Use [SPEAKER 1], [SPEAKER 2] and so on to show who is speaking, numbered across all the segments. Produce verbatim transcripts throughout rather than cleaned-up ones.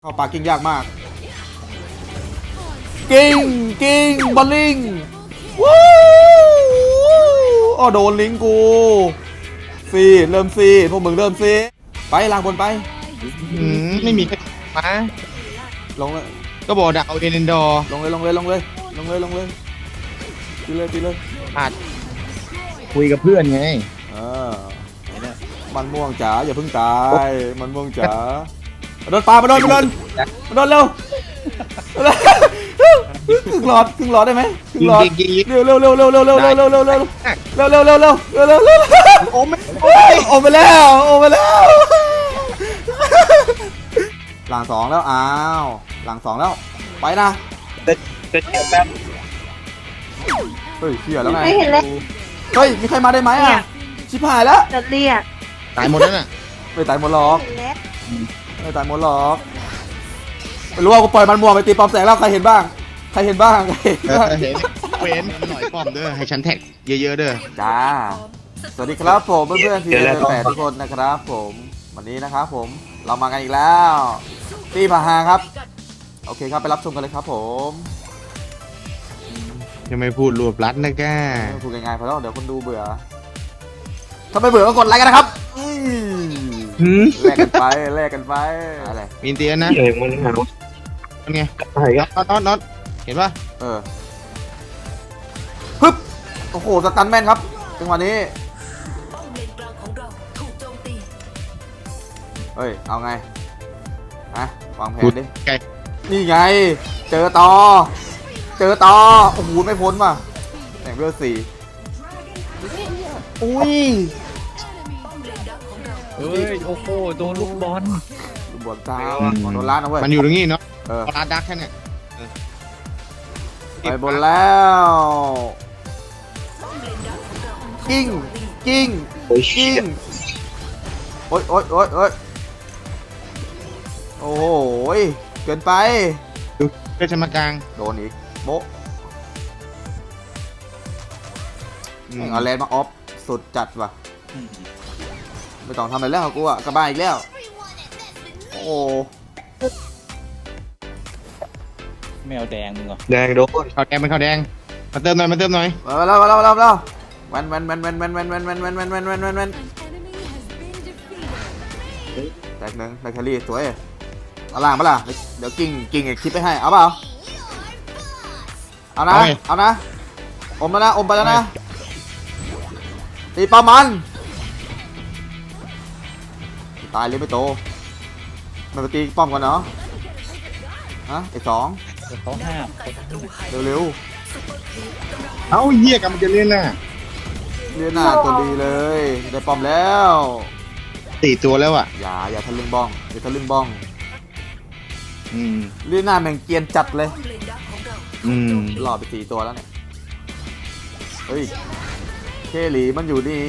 [SPEAKER 1] เข้าปากิ้งยากมากกิ้งกิ้งบอลลิงวู้อ๋อโดนลิงกูฟรีเริ่มฟรีพวกมึงเริ่มฟรีไปลางบนไป
[SPEAKER 2] อืมไม่มีใครมา
[SPEAKER 1] ลงเลย
[SPEAKER 2] ก็บอกดักเอาเดนดอร์
[SPEAKER 1] ลงเลยลงเลยลงเลยลงเลยลงเลยตีเลยตีเลย
[SPEAKER 2] อาจคุยกับเพื่อนไง
[SPEAKER 1] เออมันม่วงจ๋าอย่าเพิ่งตายมันม่วงจ๋าโดนปลามาโดนมาโดนมาโดนเร็วครึ่งหลอดครึ่งหลอดได้ไหมครึ่งหลอดเร็วเร็วเร็วเร็วเร็วเร็วเร็วเร็วเร็วเร็วเร็วเร็วเร็วเร็วเร็วเร็วเร็วเร็ว
[SPEAKER 2] โอ้ไม่
[SPEAKER 1] โอ้ไปแล้วโอ้ไปแล้วหลังสองแล้วอ้าวหลังสองแล้วไปนะ
[SPEAKER 2] เด็ดเด็ดแบบ
[SPEAKER 1] เฮ้ยเชี่ยแล้วไง
[SPEAKER 3] ไม่เห็นเลย
[SPEAKER 1] เฮ้ยมีใครมาได้ไหมอ่ะชิบหายแล้ว
[SPEAKER 3] จะเรียก
[SPEAKER 2] ตายหมดแล้วน่ะ
[SPEAKER 1] ไม่ตายหมดหรอกไม่ตายหมดหรอกไม่รู้ว่ากูปล่อยมันมัวไปตีปอมแสงแล้วใครเห็นบ้างใครเห็นบ้างใครเห็นบ้าง
[SPEAKER 2] เห็นเว้นหน่อยป้อมเด้อให้ฉันแท็กเยอะๆเด้อ
[SPEAKER 1] จ้าสวัสดีครับผมเพื่อนๆทีมแปดทุกคนนะครับผมวันนี้นะครับผมเรามากันอีกแล้วตีผาหาครับโอเคครับไปรับชมกันเลยครับผม
[SPEAKER 2] ยังไม่พูดรวบรัดนะแก
[SPEAKER 1] พูดง่ายๆพอแล้วเดี๋ยวคนดูเบื่อถ้าไม่เบื่อก็กดไลค์กันนะครับแลกกันไปแลกกันไปอะไร
[SPEAKER 2] มีเตียนนะ
[SPEAKER 4] เองมันหา
[SPEAKER 2] เป็นไง
[SPEAKER 4] ใช่ครับ
[SPEAKER 2] น็อตน็อตเห็นป่ะ
[SPEAKER 1] เออปึ๊บโอ้โหสตันแมนครับจังหวะนี้เฮ้ยเอาไงฮะวางแผนดินี่ไงเจอต่อเจอต่อโอ้โหไม่พ้นว่ะแต่งเบอร์สี่อุ้ย
[SPEAKER 4] เฮ้ยโอ้โหโดนลูกบอล
[SPEAKER 1] ลูกบอลตาโดนล้านนะเว้ย
[SPEAKER 2] มันอยู่ตรงนี้เนาะ
[SPEAKER 1] เออ
[SPEAKER 2] ล้านดักแค่เนี่ย
[SPEAKER 1] ไปบนแล้วกิ้งกิ้งกิ้งโอ๊ยโอ๊ยโอ๊ยโอ๊ยโอ้โหเกินไป
[SPEAKER 2] ดูเพื่อชมากลาง
[SPEAKER 1] โดนอีกโบ๊ะเอาแลนด์มาออฟสุดจัดว่ะไม่ต้องทำอะไรแล้วกูอ่ะกระบายอีกแล้วโอ้
[SPEAKER 4] แมวแดงมึงเหรอ
[SPEAKER 2] แดงโดนข้าวแดงเป็นข้าวแดงมาเติมหน่อยมาเติมหน่อย
[SPEAKER 1] มาแล้วมาแล้วมาแล้วมาแล้วแวนแวนแวนแวนแวนแวนแวนแวนแวนแวนแวนแวนแวนแวนแตกหนึ่งแบคทีเรียสวยเอาล่างปะล่ะเดี๋ยวกิ่งกิ่งคลิปไปให้เอาเปล่าเอานะเอานะอมแล้วนะอมไปแล้วนะตีปลามันตายเลยไม่โตมันไปตีป้อมกันเนาะฮะไอ้สอง
[SPEAKER 4] เขาห้าม
[SPEAKER 1] เร็ว
[SPEAKER 2] ๆเอ้าเหี้ยกำลังจะเล่นน่ะ
[SPEAKER 1] เลียนหน้าตัวดีเลยได้ป้อมแล้ว
[SPEAKER 2] สี่ตัวแล้วอ่ะ
[SPEAKER 1] อย่าอย่าทะลึ่งบ้องอย่าทะลึ่งบ้อง
[SPEAKER 2] อืม
[SPEAKER 1] เลียนหน้าแม่งเกียนจัดเลย
[SPEAKER 2] อืม
[SPEAKER 1] หล่อไปสี่ตัวแล้วเนี่ยเฮ้ยเคหลีมันอยู่ดี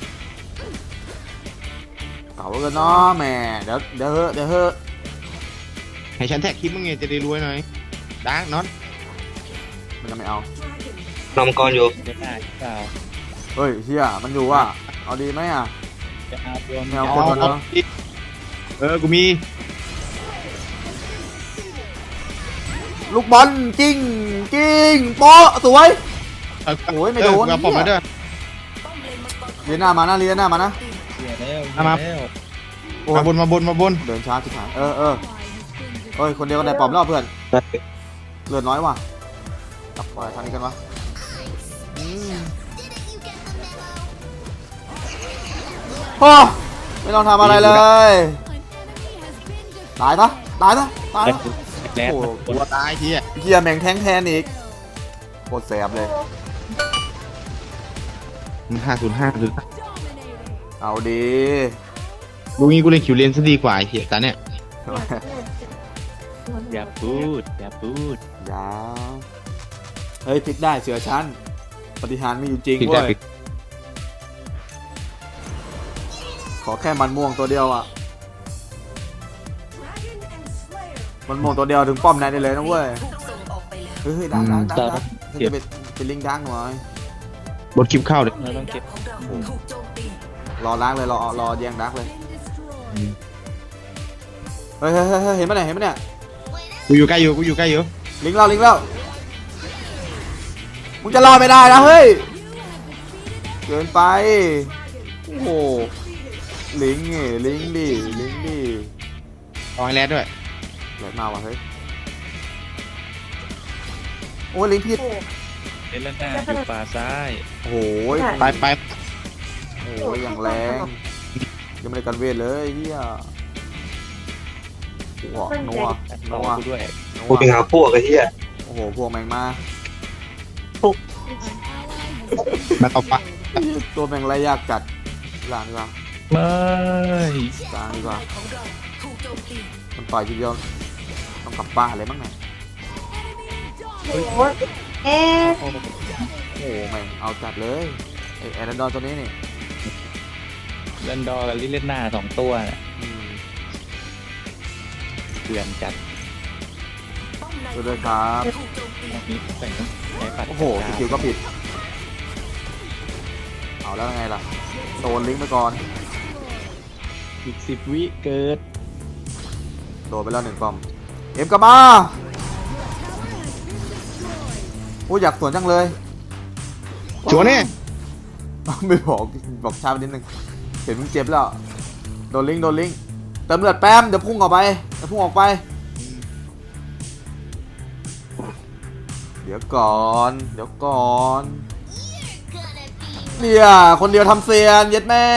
[SPEAKER 1] เก่ากันเนาะแม่เดี๋ยวเดี๋ยวเฮ้เดี๋ยวเฮ้
[SPEAKER 2] ให้ฉันแท็กคลิปมึงไงจะได้รวยหน่อยดาร์กน็อต
[SPEAKER 1] มันจะไม่เอา
[SPEAKER 4] นำกรอยู่จะได้เปล่า
[SPEAKER 1] เฮ้ยเฮียมันอยู่ว่ะเอาดีไหมอ่ะ
[SPEAKER 4] จะเอาตัว
[SPEAKER 1] ไม่เอาคนมันเนาะ
[SPEAKER 2] เออกูมี
[SPEAKER 1] ลูกบอลกิ้งกิ้งโป๊ะสวยโอ้ยไม่โดน
[SPEAKER 2] ผมมาด้วย
[SPEAKER 1] เลียนหน้ามานะเลียนหน้ามานะ
[SPEAKER 2] มามาบนมาบนมาบน
[SPEAKER 1] เดินช้าชิบหายเออเออเฮ้ยคนเดียวกันได้ปอมแล้วเพื่อนเลือดน้อยว่ะกลับไปทางนี้กันวะโอ้ไม่ต้องทำอะไรเลยตายปะตายปะตาย
[SPEAKER 2] โอ้ตัวตายทีอ่ะ
[SPEAKER 1] เฮียแม่งแทงแทนอีกโคตรแสบเลย
[SPEAKER 2] มันห้าศูนย์ห้าหรือ
[SPEAKER 1] เอาดี
[SPEAKER 2] ดูงี้กูเล่นคิวเลนซะดีกว่าไอ้เหี้ยตาเนี่ย
[SPEAKER 4] อย่าพูดอย่าพูด
[SPEAKER 1] อย่าเฮ้ยพลิกได้เสือชั้นปฏิหารมีอยู่จริงเว้ยขอแค่มันม่วงตัวเดียวอ่ะมันม่วงตัวเดียวถึงป้อมนายได้เลยนะเว้ยเฮ้ยดังดังดังดังจะเป็นเป็นลิงดังหน่อย
[SPEAKER 2] บทคลิปเข้าเลย
[SPEAKER 4] เราต้องเก็บ
[SPEAKER 1] รอล้างเลยรอรอแย่งดักเลยเฮ้ยเฮ้ยเฮ้ยเฮ้ยเห็นปะเนี่ยเห็นปะเนี่ย
[SPEAKER 2] กูอยู่ใกล้อยู่กูอยู่ใกล้อยู่
[SPEAKER 1] ลิงเราลิงเรามึงจะรอดไม่ได้นะเฮ้ยเกินไปโอ้โหลิงไงลิงดิลิงดิ
[SPEAKER 2] เอาให้แรดด้วย
[SPEAKER 1] แหลกมาว่ะเฮ้ยโอ้ยลิงผิด
[SPEAKER 4] เอเลน่าอยู่ป่าซ้าย
[SPEAKER 1] โอ้โห
[SPEAKER 2] ไปไป
[SPEAKER 1] โอ้โหอย่างแรงยังไม่ได้กันเวทเลยเฮียหัวนัว
[SPEAKER 4] ตัด
[SPEAKER 1] นั
[SPEAKER 4] ต่อ
[SPEAKER 1] ว
[SPEAKER 4] กูด้วย
[SPEAKER 1] นั
[SPEAKER 3] กู
[SPEAKER 1] ว
[SPEAKER 3] ไปหาพวกไอ้เหี้ย
[SPEAKER 1] โอ้โหพวกแมงมา
[SPEAKER 2] มาต่อปะ
[SPEAKER 1] ตัวแมงไรยากกัดหลังดีกว่า
[SPEAKER 4] ไม่
[SPEAKER 1] กลางดีกว่ามันต่อยทีเดียวต้องกลับบ้านเลยมั้งเนี่ย
[SPEAKER 5] โอ้โหเอ๊ะ
[SPEAKER 1] โอ้โหแม่งเอาจัดเลยไอแอนดอนตัวนี้นี่
[SPEAKER 4] เลนดอร์กับลิเลน่าสองตัวน่ะ
[SPEAKER 1] อืม
[SPEAKER 4] เถื่อนจัด
[SPEAKER 1] ดูด้วยครับ
[SPEAKER 4] มีใส่ใช้ปัด
[SPEAKER 1] โอ้โหสกิลก็ผิดเอาแล้วไงล่ะโดนลิงก์ไปก่อน
[SPEAKER 4] อีกสิบวิเกิด
[SPEAKER 1] โดนไปแล้วหนึ่งปอมเอ็มกลับมาโอ้ยอยากสวนจังเลย
[SPEAKER 2] ชวนนี่
[SPEAKER 1] ไม่บอกบอกช้าไปนิดนึงเห็นมึงเจ็บแล้วโดนลิงก์โดนลิงก์เติมเลือดแป๊มเดี๋ยวพุ่งออกไปเดี๋ยวพุ่งออกไปเดี๋ยวก่อนเดี๋ยวก่อนเนี่ยคนเดียวทำเซียนเย็ดแม่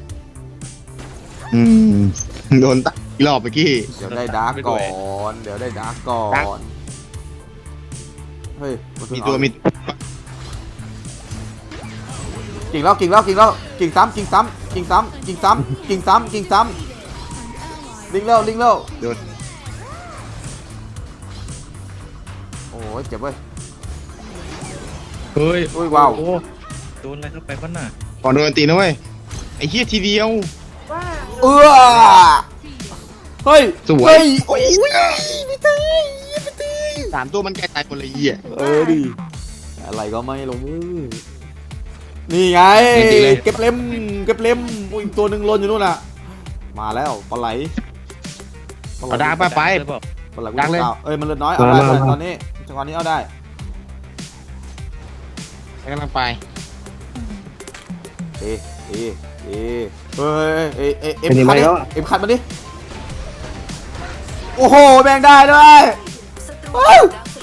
[SPEAKER 2] อืมโดนตัดอีกรอบเมื่อกี้
[SPEAKER 1] เดี๋ยวได้ดาร์กก่อนเดี๋ยวได้ดาร์กก่อนเฮ้ยนเพิ่
[SPEAKER 2] มี
[SPEAKER 1] ง
[SPEAKER 2] ตัว
[SPEAKER 1] เอา
[SPEAKER 2] มี
[SPEAKER 1] กิ่งแล้วกิ่งแล้วกิ่งแล้วกิ่งซ้ำกิ่งซ้ำกิ่งซ้ำกิ่งซ้ำกิ่งซ้ำกิ่งซ้ำลิงแล้วลิงแล้ว
[SPEAKER 2] โดน
[SPEAKER 1] โอ้ยเจ็บเว้ย
[SPEAKER 4] เฮ้ย
[SPEAKER 1] อุ้ยว้าว
[SPEAKER 4] โอ้โดนอะไรเข้าไปบ้างน่ะ
[SPEAKER 2] ก่อนโดนตีนะเว้ยไอ้เหี้ยทีเดียว
[SPEAKER 5] ว่า
[SPEAKER 1] เออเฮ้ย
[SPEAKER 2] สวย
[SPEAKER 1] เฮ้ยโอ้ยพี่ตีพี่ตี
[SPEAKER 2] สามตัวมันแกตายหมดเลยไอ้เหี้ย
[SPEAKER 1] เออดิอะไรก็ไม่ลงมือนี่ไง
[SPEAKER 2] จริงๆเลย
[SPEAKER 1] เก็บเล็มเก็บเล็มอุ้ยอีกตัวหนึ่งหล่นอยู่นู่นน่ะมาแล้วปลาไหลปลาไหล
[SPEAKER 2] เอาดาร์กไปไป
[SPEAKER 4] เธอบอก
[SPEAKER 1] ปลาไหลกู
[SPEAKER 2] ดังเลย
[SPEAKER 1] เอาเอ้ยมันเลือดน้อยเอาได้เลยตอนนี้จังหวะนี้เอาได้
[SPEAKER 2] กำลังไป
[SPEAKER 1] เอเอเอเฮ้ยเอเอเอ็มคัดดิเอ็มคัดมาดิโอ้โหแบ่งได้ด้วยเฮ้ย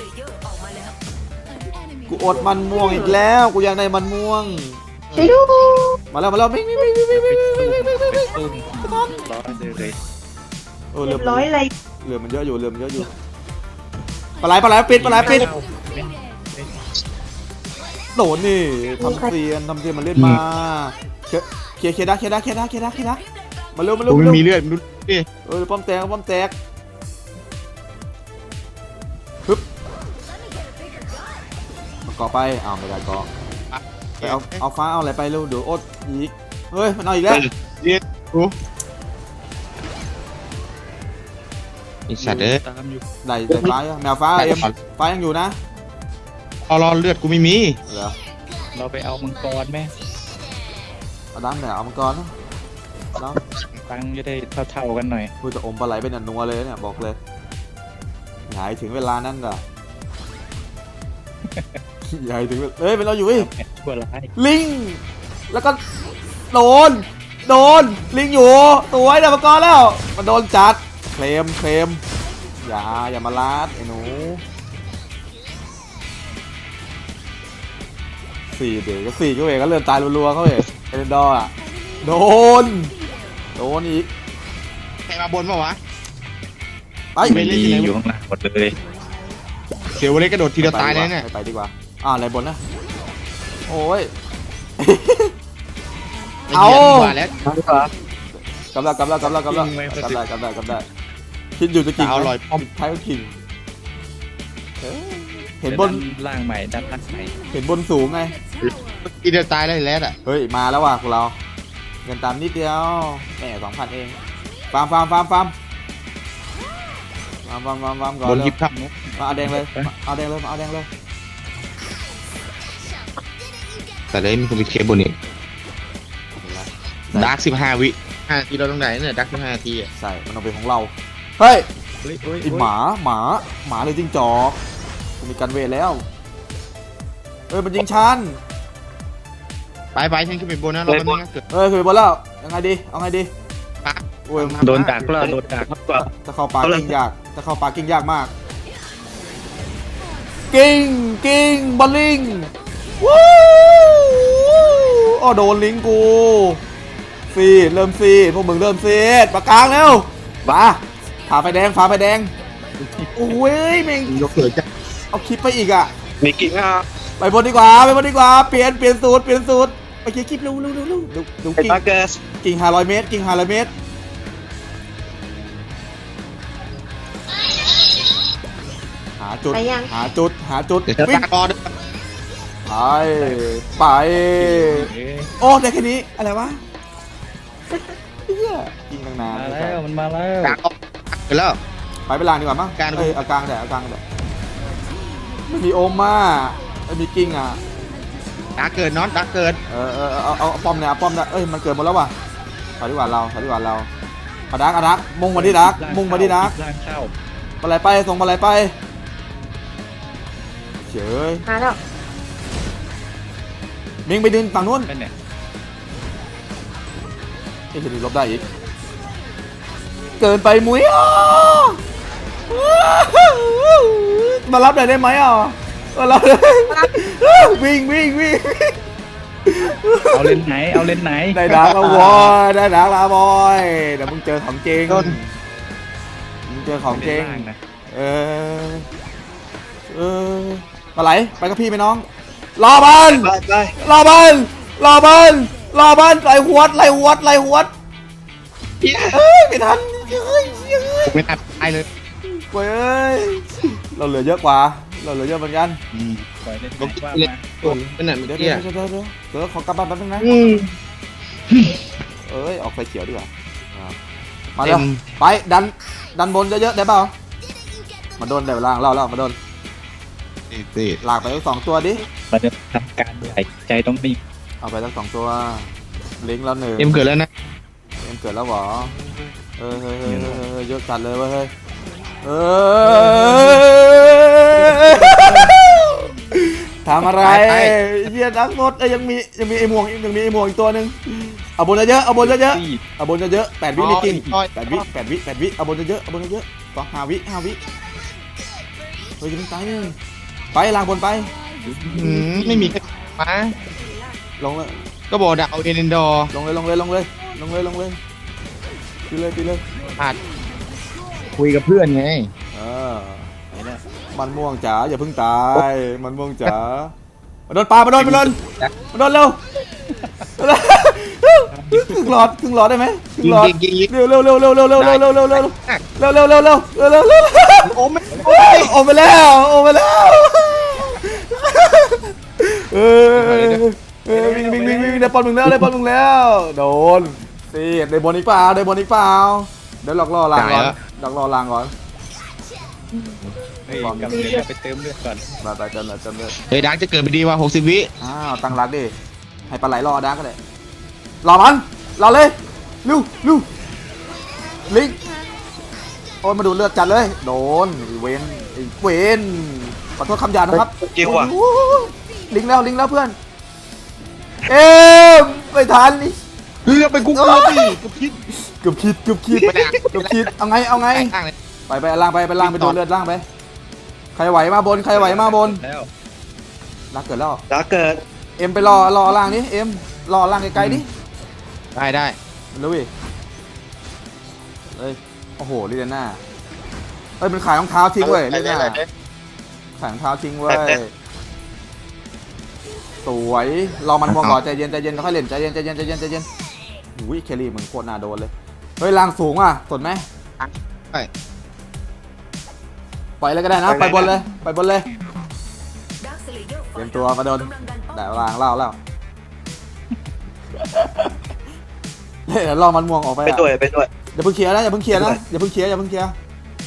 [SPEAKER 1] กูอดมันม่วงอีกแล้วกูอยากได้มันม่วง
[SPEAKER 5] ช่วยดู
[SPEAKER 1] มาแล้วมาแล้ววิ่งวิ่งวิ่งวิ่งวิ่งวิ่งวิ่งวิ่งวิ่งวิ่ง
[SPEAKER 4] เป็นตุ้มร้อยเลย
[SPEAKER 1] เออ
[SPEAKER 5] เรี
[SPEAKER 1] เรื
[SPEAKER 5] ย
[SPEAKER 1] อบ
[SPEAKER 5] ร้อยอะไร
[SPEAKER 1] เรือมันเยอะอยู่เรือมันเยอะอยู่ปลาไหลปลาไหลปิดปลาไหลปิดโดนนี่ทำเซียนทำเซียนมันเล่นมาเคลียร์เคลียร์ได้เคลียร์ได้เคลียร์ได้เคลียร์ได้เคลียร์ได้มาเร็วมาเร็ว
[SPEAKER 2] กู
[SPEAKER 1] มา
[SPEAKER 2] ไม่
[SPEAKER 1] เร็ว
[SPEAKER 2] มีเลือดดูดิ
[SPEAKER 1] เออป้อมแตกป้อมแตกฮึบมาเกาะไปอ้าวไม่ได้เกาะไปเอาเอาฟ้าเอาอะไรไปเร็วเดี๋ยวอดอีกเฮ้ยมันเอาอีกแล้ว
[SPEAKER 2] เรียกกูไอ้สัตว์เอ้ย
[SPEAKER 4] ตามอยู่
[SPEAKER 1] ได้ได้ฟ้ายังแมวฟ้าเอ็มฟ้ายังอยู่นะ
[SPEAKER 2] เอารอเลือดกูไม่มี
[SPEAKER 1] เหรอ
[SPEAKER 4] เราไปเอามังกรไหม
[SPEAKER 1] เอาดำเนี่ยเอามังกรนะดำ
[SPEAKER 4] ตังค์จะได้เท่าๆกันหน่อย
[SPEAKER 1] พูดจะอมปลาไหลเป็นอันนัวเลยเนี่ยบอกเลยหายถึงเวลานั้นด่ะ ใหญ่ถึงเวลาเอ้ยเป็นเราอยู่เว้ย
[SPEAKER 4] แอดชั่วร้าย
[SPEAKER 1] ลิง แล้วก็โดน โดน ลิงอยู่ ตัวไอ้ดาวกรแล้ว มันโดนจัด เคลม เคลม อย่า อย่ามาลาดไอ้หนูสี่เด็กก็สี่ก็เวก็เลื่อนตายรัวๆเขาเองเอเดนดอร์อะโดน โดนอีก
[SPEAKER 2] ใครมาบนปะวะ
[SPEAKER 1] ไป
[SPEAKER 2] ไม่เล่นที่ไหน
[SPEAKER 4] อยู่ข้างหลังหมดเลย
[SPEAKER 2] เสียวเล็กกระโดดทีเดียวตายเลยเนี่ย
[SPEAKER 1] ไปดีกว่าอ่าอะไรบนนะ โอ้ย เอา
[SPEAKER 2] ไหี้ยดีกว่าแล้ว
[SPEAKER 1] กำลังกำลังกำลังกำลังกำลังกำลังกำลังกำลังคิดอยู่จะกิ่ง
[SPEAKER 2] เอา
[SPEAKER 1] ไหม
[SPEAKER 2] ลอยป้อม
[SPEAKER 1] ท้ายก็กิ่งเอ้ยเห็นบน
[SPEAKER 4] ล่างใหม่ด้านล่างใหม่
[SPEAKER 1] เห็นบนสูงไง
[SPEAKER 2] ทีเดียวตายเลยแล้วอ่ะ
[SPEAKER 1] เฮ้ย มาแล้วว่ะพวกเรา เงินตามนิดเดียวแหมสองพันเอง ฟาร์มฟาร์มฟาร์มฟาร์มฟาร์มฟาร์มฟาร์มฟาร์มก่อน
[SPEAKER 2] บน
[SPEAKER 1] เลย
[SPEAKER 2] คลิปครับ
[SPEAKER 1] มาเอาแดงเลยมาเอาแดงเลยมาเอาแดงเลย
[SPEAKER 2] แต่เลยมีคนไปเคลียร์บนอีกดาร์กสิบห้าวิห้านาทีเราต้องได้เนี่ยดาร์กสิบห้านาทีอ่ะ
[SPEAKER 1] ใส่มันเอาเป็นของเราเฮ้ย
[SPEAKER 4] เฮ้ยเฮ้ย
[SPEAKER 1] ไอหมาหมาหมาเลยจิ้งจอกกูมีกันเวทแล้วเอ้ยมันยิงฉัน
[SPEAKER 2] ไปไปฉันขึ้นไปบนนะเราเป็นงเกิด
[SPEAKER 1] เอ้ยคือไปบนแล้วยังไงดีเอาไงดี
[SPEAKER 2] ปะ
[SPEAKER 1] โอ้ย
[SPEAKER 4] โดนดักแล้วโดนดัก
[SPEAKER 1] จะเข้าป่ากิ้งยากจะเข้าป่ากิ้งยากมากกิ้งกิ้งบอลลิงวู้อ้อโดนลิงกูฟีดเริ่มฟีดพวกมึงเริ่มฟีดปากกลางเร็วมาฝ่าไฟแดงฝ่าไฟแดงโอ้ยแม่ง
[SPEAKER 2] ยกเกิดจ้ะ
[SPEAKER 1] เอาคลิปไปอีกอ่ะ
[SPEAKER 2] มีกิ่งอ่ะ
[SPEAKER 1] ไปบนดีกว่าไปบนดีกว่าเปลี่ยนเปลี่ยนสูตรเปลี่ยนสูตรไปเคลียร์คลิปเร็วเร็วเร็วเร็วดูดูกิ่งกิ่งห้าร้อยเมตรกิ่งห้าร้อยเมตรหาจุด
[SPEAKER 5] ไปยัง
[SPEAKER 1] หาจุดหาจุด
[SPEAKER 2] เดี๋ยวจะ
[SPEAKER 1] วิ่ง
[SPEAKER 2] ตากอด
[SPEAKER 1] ไปไปโอ้ได้แค่นี้อะไรวะเฮียยิงตั้งนาน
[SPEAKER 4] มาแล้วมันมาแล้ว
[SPEAKER 2] ตากอดเกิดแล้ว
[SPEAKER 1] ไปไปลางดีกว่ามั้ง
[SPEAKER 2] กลาง
[SPEAKER 1] เอ้ยเอากลางแต่เอากลางแต่ไม่มีโอมมาไม่มีกิ้งอ่ะ
[SPEAKER 2] ตาเกิดน็อตตาเกิด
[SPEAKER 1] เออเออเอาเอาเอาป้อมเนี่ยเอาป้อมเนี่ยเอ้ยมันเกิดหมดแล้วว่ะถอยดีกว่าเราถอยดีกว่าเราเอาดักเอาดักมุ่งมาที่ดักมุ่งมาที่ดัก
[SPEAKER 4] ล่างเข้า
[SPEAKER 1] อะไรไปส่งอะไรไปเฉย
[SPEAKER 5] มาแล้ว
[SPEAKER 1] มิงไปดึงฝั่งนู้น
[SPEAKER 4] เป็นเนี่ย
[SPEAKER 1] ไอ้เห็นลบได้อีกเกินไปมุ้ยอ่ะมารับหน่อยได้ไหมอ่ะมารับเลยวิ่งวิ่งวิ่ง
[SPEAKER 4] เอาเล่นไหนเอาเล่นไหน
[SPEAKER 1] ได้ดักแล้วบอยได้ดักแล้วบอยเดี๋ยวมึงเจอของจริงมึงเจอของจริง
[SPEAKER 4] ไม่ได้ล่างนะ
[SPEAKER 1] เออเออมาไหลไปกับพี่ไหมน้องรอบัน
[SPEAKER 2] ไปไป
[SPEAKER 1] รอบันรอบันรอบันไหลหวดไหลหวดไหลหวดเอ้ยไม่ทันเฮ้ยเฮ้ย
[SPEAKER 2] ไม่ตัดตายเลย
[SPEAKER 1] เว้ยเราเหลือเยอะกว่าเราเหลือเยอะเหมือนกัน
[SPEAKER 4] ปล่อยเล่นไหน
[SPEAKER 2] ลง
[SPEAKER 4] ว่า
[SPEAKER 2] เล่น
[SPEAKER 4] มา
[SPEAKER 2] ตัวเป็นหนัง
[SPEAKER 1] เดี๋ยว
[SPEAKER 2] เตี้
[SPEAKER 1] เดี๋
[SPEAKER 2] ย
[SPEAKER 1] ยวเดี๋ยวเดี๋ยวเดี๋ยวขอกลับบ้านแป๊บนึงนะ
[SPEAKER 2] อืม
[SPEAKER 1] เอ้ยออกไฟเขียวดีกว่าอ่ามาเร็วไปดันดันบนเยอะๆได้เปล่ามาโดนเดี๋ยวล่างเล่าเล่ามาโดน
[SPEAKER 2] เตี้ย
[SPEAKER 1] ลากไปทั้งสองตัวดิ
[SPEAKER 4] เราจะทำการใส่ใจต้องนิ่ง
[SPEAKER 1] เอาไปทั้งสองตัวลิงก์แล้วหนึ่ง
[SPEAKER 2] เอ็มเกิดแล้วนะ
[SPEAKER 1] เอ็มเกิดแล้วเหรอเออเฮ้ยเฮ้ยเฮ้ยเฮ้ยเยอะจัดเลยเว้ยเฮ้ยเออทำอะไรเฮียนักรถเอ้ยยังมียังมีไอ้หมวกยังมีไอ้หมวกอีกตัวหนึ่งเอาบนเยอะๆเอาบนเยอะ
[SPEAKER 4] ซี่
[SPEAKER 1] ๆเอาบนเยอะๆแปดวิไม่กินแปดวิแปดวิแปดวิเอาบนเยอะๆเอาบนเยอะๆสองห้าวิห้าวิเฮ้ยยังไม่ตายเลยไปลางบนไป
[SPEAKER 2] อืมไม่มีใครมา
[SPEAKER 1] ลงเลย
[SPEAKER 2] ก็บอกดักเอาเอเดนดอร์
[SPEAKER 1] ลงเลยลงเลยลงเลยลงเลยลงเลยปีเลยปีเลย
[SPEAKER 2] อาจคุยกับเพื่อนไง
[SPEAKER 1] เออมันม่วงจ๋าอย่าเพิ่งตายมันม่วงจ๋ามาโดนปลามาโดนมาโดนมาโดนเร็วครึ่งหลอดครึ่งหลอดได้ไหมครึ่ง
[SPEAKER 2] ยิ
[SPEAKER 1] ห
[SPEAKER 2] ง
[SPEAKER 1] ลอด
[SPEAKER 2] ยิงยิงยิง
[SPEAKER 1] เร็วเร็วเร็วเร็วเร็วเร็วเร็วเร็วเร็วเร็วเร็วเร็วเร็วเร็วเร็วเร็วเร็ว
[SPEAKER 2] โอ้ไม่
[SPEAKER 1] ออกไปแล้วออกไปแล้วเออเออวิ่งวิ่งวิ่งวิ่งได้บอลมึงแล้วได้บอลมึงแล้วโดนสิได้บอลอีกเปล่าได้บอลอีกเปล่าเดี๋ยวหลอกล่อลางก่อนหลอกล่อลางก่อน
[SPEAKER 4] เฮ้ยกำลังเดี๋ยวไปเติมเลือดก่อน
[SPEAKER 1] มาไปจนเลยจนเลย
[SPEAKER 2] เฮ้ยดักจะเกิดไปดีว่าหกสิบวิ
[SPEAKER 1] อ้าวตั้งรักดิให้ปลาไหลรอดักก็ได้รอมันรอเลยลูลูลิงโอ้ยมาดูเลือดจัดเลยโดนเวนเวนขอโทษคำหยาบนะครับ
[SPEAKER 2] เกี่ยวอ่ะ
[SPEAKER 1] ลิงแล้วลิงแล้วเพื่อนเอ๊ะไม่ทันนี่
[SPEAKER 2] เฮ้ยไปกูกลัวพี่กูคิด
[SPEAKER 1] เกือบคิดเกือบคิด
[SPEAKER 2] ไม่ได้
[SPEAKER 1] เกือบคิดเอาไงเอาไง
[SPEAKER 2] ข้างเลย
[SPEAKER 1] ไปไปล่างไปไปล่างไปดูเลือดล่างไปใครไหวมาบนใครไหวมาบน
[SPEAKER 4] แล้ว
[SPEAKER 1] รักเกิดแล้ว
[SPEAKER 3] ดาเกิด
[SPEAKER 1] เอ็มไปรอรอล่างนี้เอ็มรอล่างไกลๆดิ
[SPEAKER 2] ได้ได้
[SPEAKER 1] ลุยเอ้ยโอ้โหลิเดน่าเอ้ยมันขายรองเท้าทิ้งเว้ยลิเดน่าขายรองเท้าทิ้งเว้ยสวยรอมันมองก่อนใจเย็นใจเย็นค่อยเล่นใจเย็นใจเย็นใจเย็นใจเย็นอุ้ยเคลลี่มึงโคตรน่าโดนเลยเฮ้ยล่างสูงอ่ะสนไหม
[SPEAKER 2] ไป
[SPEAKER 1] ปล่อยเลยก็ได้นะไปบนเลยไปบนเลยเตรียมตัวมาโดนแต่วางเล่าเล่าเฮ้ยเดี๋ยวรอมันม่วงออกไป
[SPEAKER 3] ไป
[SPEAKER 1] อ่ะ
[SPEAKER 3] ด้วยไปด้วย
[SPEAKER 1] อย่าเพิ่งเคลียร์นะอย่าเพิ่งเคลียร์นะอย่าเพิ่งเคลียร์อย่าเพิ่งเคลียร์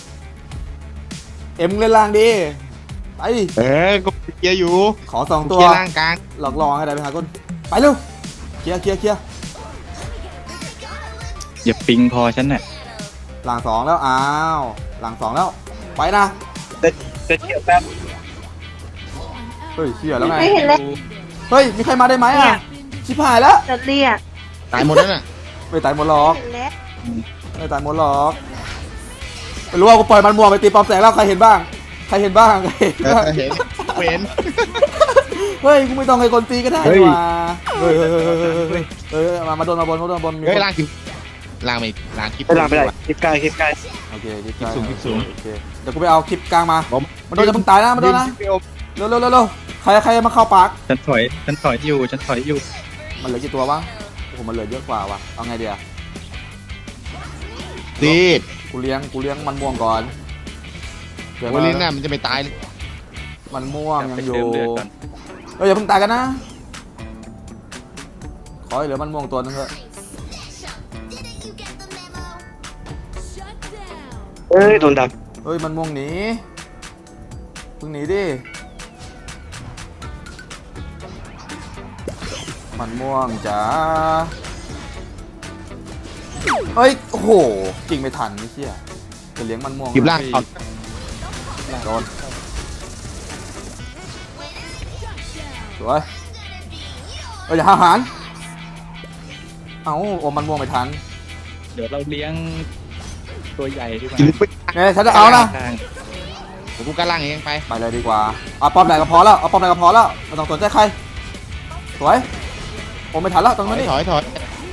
[SPEAKER 1] เอ็มเล่นล่างดีไป
[SPEAKER 2] เออก็เกียร์อยู่
[SPEAKER 1] ขอสองตัว
[SPEAKER 2] เกียร์ล่างกลาง
[SPEAKER 1] หลอกลองให้ได้ไปหาคนไปเร็วเคลียร์เคลียร์เคลียร์
[SPEAKER 4] อย่าปิงพอฉันน่ะ
[SPEAKER 1] เอหลังสองแล้วอ้าวหลังสองแล้วไปนะ
[SPEAKER 3] จะเกี่ยวแป๊บ
[SPEAKER 1] เฮ้ยเชี่ยแล้วไง
[SPEAKER 5] ไม่เห็นเลย
[SPEAKER 1] เฮ้ยมีใครมาได้ไหม
[SPEAKER 5] เนี่
[SPEAKER 1] อ่ะ
[SPEAKER 5] ย
[SPEAKER 1] ชิบหายแล้ว
[SPEAKER 5] จะเรียก
[SPEAKER 2] ตายหมดแล้วน่ะ
[SPEAKER 1] ไม่ตายหมดหรอก
[SPEAKER 5] เห็นแล้ว
[SPEAKER 1] ไม่ตายหมดหรอกไม่รู้ว่ากูปล่อยมันม่วงไปตีปอมแสงแล้วใครเห็นบ้างใครเห็นบ้างใครเห็น
[SPEAKER 2] เอ
[SPEAKER 1] บ้าง
[SPEAKER 2] อเห็นเห็น
[SPEAKER 1] เฮ้ยกูไม่ต้องให้คนตีก็ได้ว่ะเฮ้ยเฮ้ยเฮ้ยเฮ้ยเฮ้ยเฮ้ยมามาโดนมาบนมาโดนมาบนมี
[SPEAKER 2] เฮ้ย
[SPEAKER 1] คน
[SPEAKER 2] ล่างคลิปล่างไม่ล่างคลิป
[SPEAKER 3] ไปหลังไปไหนคลิปใกล้คลิปใกล้
[SPEAKER 1] โอเคคลิปกลาง
[SPEAKER 2] คลิปสูง
[SPEAKER 1] โอเคเดี๋ยวกูไปเอาคลิปกลางมา
[SPEAKER 2] ผม
[SPEAKER 1] มันโดนจะมึงตายนะมันโดนนะ
[SPEAKER 2] พี่โอม
[SPEAKER 1] เร็วเร็วเร็วเร็วใครใครมาเข้าปาก
[SPEAKER 4] ฉันถอยฉันถอยอยู่ฉันถอยอยู่
[SPEAKER 1] มันเหลือกี่ตัววะโอ้โหมันเหลือเยอะกว่าวะเอาไงเดียว
[SPEAKER 2] รีบ
[SPEAKER 1] กูเลี้ยงกูเลี้ยงมันม่วงก่อนเดี๋ยว
[SPEAKER 2] โอลินน่ะมันจะไม่ตายเลย
[SPEAKER 1] มันม่วงยัง
[SPEAKER 4] ไป
[SPEAKER 1] อยู่
[SPEAKER 4] เติมเลือดก่อน
[SPEAKER 1] เฮ้ยอย่าเพิ่งตายกันนะขอให้เหลือมันม่วงตัวนึงเถอะ
[SPEAKER 3] เอ้ยโดนดัก
[SPEAKER 1] เฮ้ยมันม่วงหนีเพิ่งหนีดิมันม่วงจ้าเฮ้ยโอ้โหจริงไม่ทันไม่เชี่ยจะเลี้ยงมันม่วง
[SPEAKER 2] คลิปล่างเอา
[SPEAKER 1] โดนสวยเอ้ยอย่าหาอาหารเอ้าโอมมันม่วงไม่ทัน
[SPEAKER 4] เดี๋ยวเราเลี้ยงตัวใหญ่ดีกว่า
[SPEAKER 2] กินไป
[SPEAKER 1] เนี่ยฉันจะเอานะ
[SPEAKER 4] ข้าง
[SPEAKER 2] ผมกูกล้าล่างเองไป
[SPEAKER 1] ไปเลยดีกว่าเอาป้อมไหนก็พอแล้วเอาป้อมไหนก็พอแล้วไม่ต้องสนใจใครสวยโอมไม่ทันแล้วตรง
[SPEAKER 2] ถ
[SPEAKER 1] นั้
[SPEAKER 2] อน ย
[SPEAKER 1] นี่
[SPEAKER 2] ถอยถอย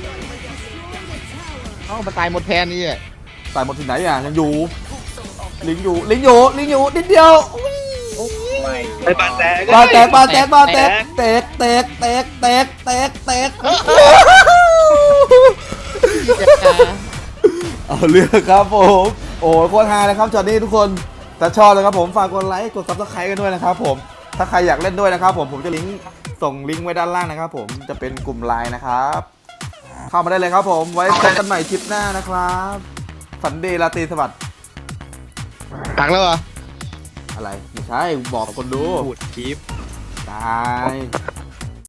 [SPEAKER 2] เอ้ามันตายหมดแทนนี่อ่ะ
[SPEAKER 1] ตายหมดที่ไหนอ่ะยังอยู่ลิงอยู่ลิงอยู่ลิงอยู่นิดเดียวอุ๊ย
[SPEAKER 4] ไม่
[SPEAKER 3] ไปปานแตก
[SPEAKER 1] บาแตกบาแตกบาแตกแตกแตกแตกแตกแตกแตกเอาเรื่องครับผมโอ้โคตรฮาเลยครับจอดนี้ทุกคนถ้าชอบเลยครับผมฝากกดไลค์กดซับสไครต์กันด้วยนะครับผมถ้าใครอยากเล่นด้วยนะครับผมผมจะลิงก์ส่งลิงก์ไว้ด้านล่างนะครับผมจะเป็นกลุ่มไลน์นะครับเข้ามาได้เลยครับผมไว้เจอกันใหม่คลิปหน้านะครับฝันดีราตรีสวัสดิ์
[SPEAKER 2] ตักแล้วเหรอ
[SPEAKER 1] อะไรไม่ใช่บอกกับคนดู
[SPEAKER 4] พูดคลิป
[SPEAKER 1] ตาย